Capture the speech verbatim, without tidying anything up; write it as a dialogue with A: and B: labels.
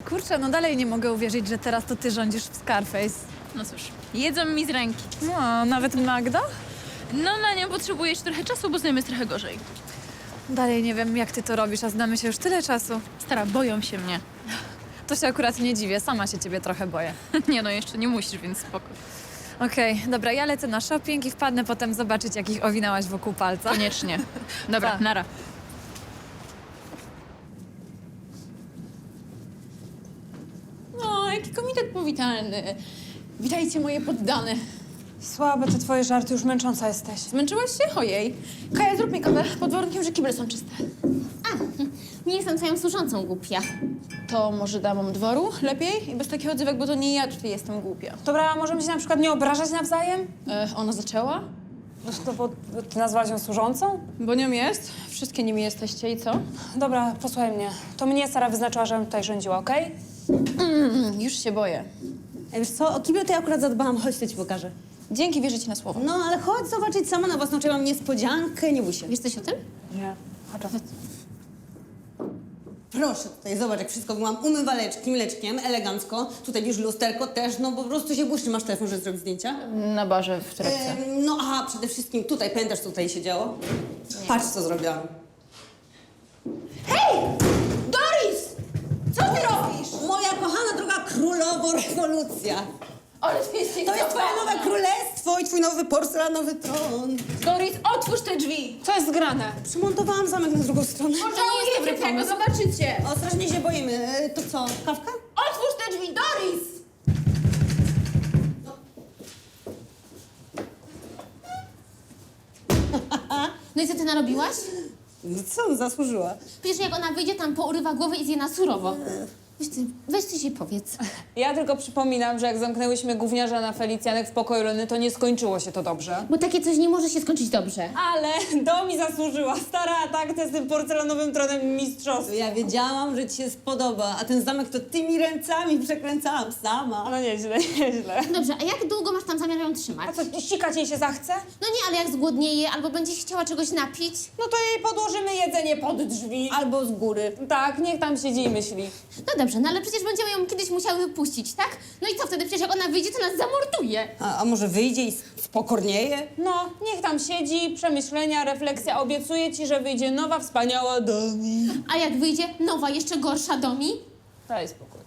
A: Kurczę, no dalej nie mogę uwierzyć, że teraz to ty rządzisz w Scarface.
B: No cóż, jedzą mi z ręki.
A: No, nawet Magda?
B: No na nią potrzebujesz trochę czasu, bo znajemy jest trochę gorzej.
A: Dalej nie wiem, jak ty to robisz, a znamy się już tyle czasu.
B: Stara, boją się mnie.
A: To się akurat nie dziwię, sama się ciebie trochę boję.
B: Nie no, jeszcze nie musisz, więc spoko.
A: Okej, dobra, ja lecę na shopping i wpadnę potem zobaczyć, jak ich owinałaś wokół palca.
B: Koniecznie. Dobra,
A: Tak.
B: nara.
C: No, jaki komitet powitalny. Witajcie moje poddane.
D: Słabe te twoje żarty, już męcząca jesteś.
C: Zmęczyłaś się? Ojej. Kaja, zrób mi kawę, pod warunkiem, że kible są czyste.
E: A, nie jestem twoją służącą, głupia.
C: To może damom dworu lepiej? I bez takich odzywek, bo to nie ja tutaj jestem głupia.
D: Dobra, a możemy się na przykład nie obrażać nawzajem?
C: E, ona zaczęła?
D: No to bo bo ty nazwałaś ją służącą?
C: Bo nią jest. Wszystkie nimi jesteście i co?
D: Dobra, posłuchaj mnie. To mnie Sara wyznaczyła, żebym tutaj rządziła, okej?
C: Mm, już się boję.
F: Ej, wiesz co, o kibel to ja akurat zadbałam, chodź, to ci pokażę.
C: Dzięki, wierzę ci na słowo.
F: No, ale chodź zobaczyć sama na własną oczy, mam niespodziankę, nie bój się.
E: Wiesz coś o tym?
D: Nie. Chodź.
F: Proszę, tutaj zobacz, jak wszystko mam umywaleczki, mleczkiem, elegancko. Tutaj już lusterko też, no po prostu się błyszczy. Masz telefon, żeby zrobić zdjęcia?
C: Na barze w torebce.
F: Em, no aha, przede wszystkim tutaj, pamiętasz, co tutaj się działo? Patrz, co zrobiłam.
C: Doris! Co ty robisz?
F: Moja kochana droga królowo rewolucja.
C: Ale ty jesteś
F: To jest twoje nowe królestwo i twój nowy porcelanowy tron.
C: Doris, otwórz te drzwi!
D: Co jest grane?
F: Przymontowałam zamek na drugą stronę.
C: Pożałujecie tego, zobaczycie!
F: O, strasznie się boimy. E, To co, kawka?
C: Otwórz te drzwi, Doris!
E: No i co ty narobiłaś?
F: No co, zasłużyła.
E: Przecież jak ona wyjdzie, tam pourywa głowę i zje na surowo. Weź ty, weź ty się powiedz.
D: Ja tylko przypominam, że jak zamknęłyśmy gówniarza na Felicjanek w pokoju Leny, to nie skończyło się to dobrze.
E: Bo takie coś nie może się skończyć dobrze.
D: Ale do mi zasłużyła. Stara atakcja z tym porcelanowym tronem mistrzostwa.
F: Ja wiedziałam, że ci się spodoba, a ten zamek to tymi ręcami przekręcałam sama.
D: No nieźle, nieźle.
E: Dobrze, a jak długo masz tam zamiar ją trzymać?
D: A co, ścikać jej się zachce?
E: No nie, ale jak zgłodnieje albo będzie się chciała czegoś napić?
D: No to jej podłożymy jedzenie pod drzwi.
F: Albo z góry.
D: Tak, niech tam siedzi i myśli.
E: No dobrze, no ale przecież będziemy ją kiedyś musiały wypuścić, tak? No i co wtedy? Przecież jak ona wyjdzie, to nas zamorduje.
F: A, a może wyjdzie i spokornieje?
D: No, niech tam siedzi, przemyślenia, refleksja. Obiecuję ci, że wyjdzie nowa, wspaniała Domi.
E: A jak wyjdzie nowa, jeszcze gorsza Domi?
D: Daj spokój.